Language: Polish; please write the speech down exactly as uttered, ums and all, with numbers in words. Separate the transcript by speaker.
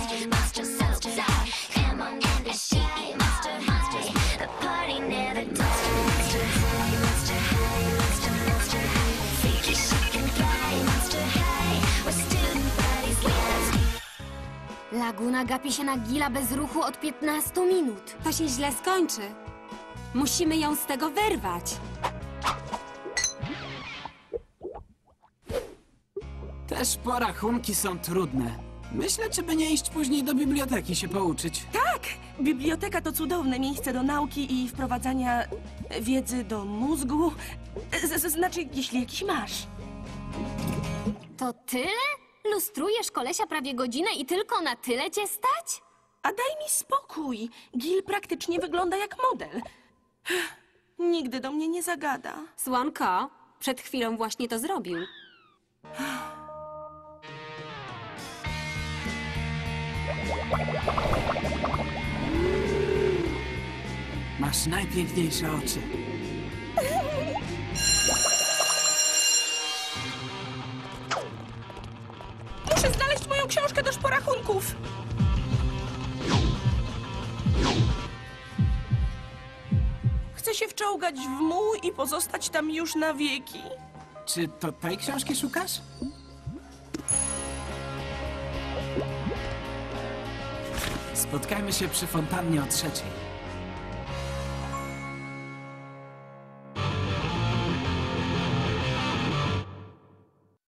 Speaker 1: high, monster, monster high. Come on and the shake, monster high. The party never dies. Monster high, monster high, monster, monster high. Freaky, chic and fly, monster high. We're student bodies with us.
Speaker 2: Laguna gapi się na Gila bez ruchu od piętnastu minut.
Speaker 3: To się źle skończy. Musimy ją z tego wyrwać.
Speaker 4: Te porachunki są trudne. Myślę, czy by nie iść później do biblioteki się pouczyć.
Speaker 5: Tak! Biblioteka to cudowne miejsce do nauki i wprowadzania wiedzy do mózgu. Z, z, znaczy, jeśli jakiś masz.
Speaker 2: To tyle? Lustrujesz kolesia prawie godzinę i tylko na tyle cię stać?
Speaker 5: A daj mi spokój. Gil praktycznie wygląda jak model. Nigdy do mnie nie zagada.
Speaker 3: Słonko, przed chwilą właśnie to zrobił.
Speaker 4: Masz najpiękniejsze oczy.
Speaker 5: Muszę znaleźć moją książkę do szporachunków. Chcę się wczołgać w muł i pozostać tam już na wieki.
Speaker 4: Czy to tej książki szukasz? Spotkajmy się przy fontannie o trzeciej.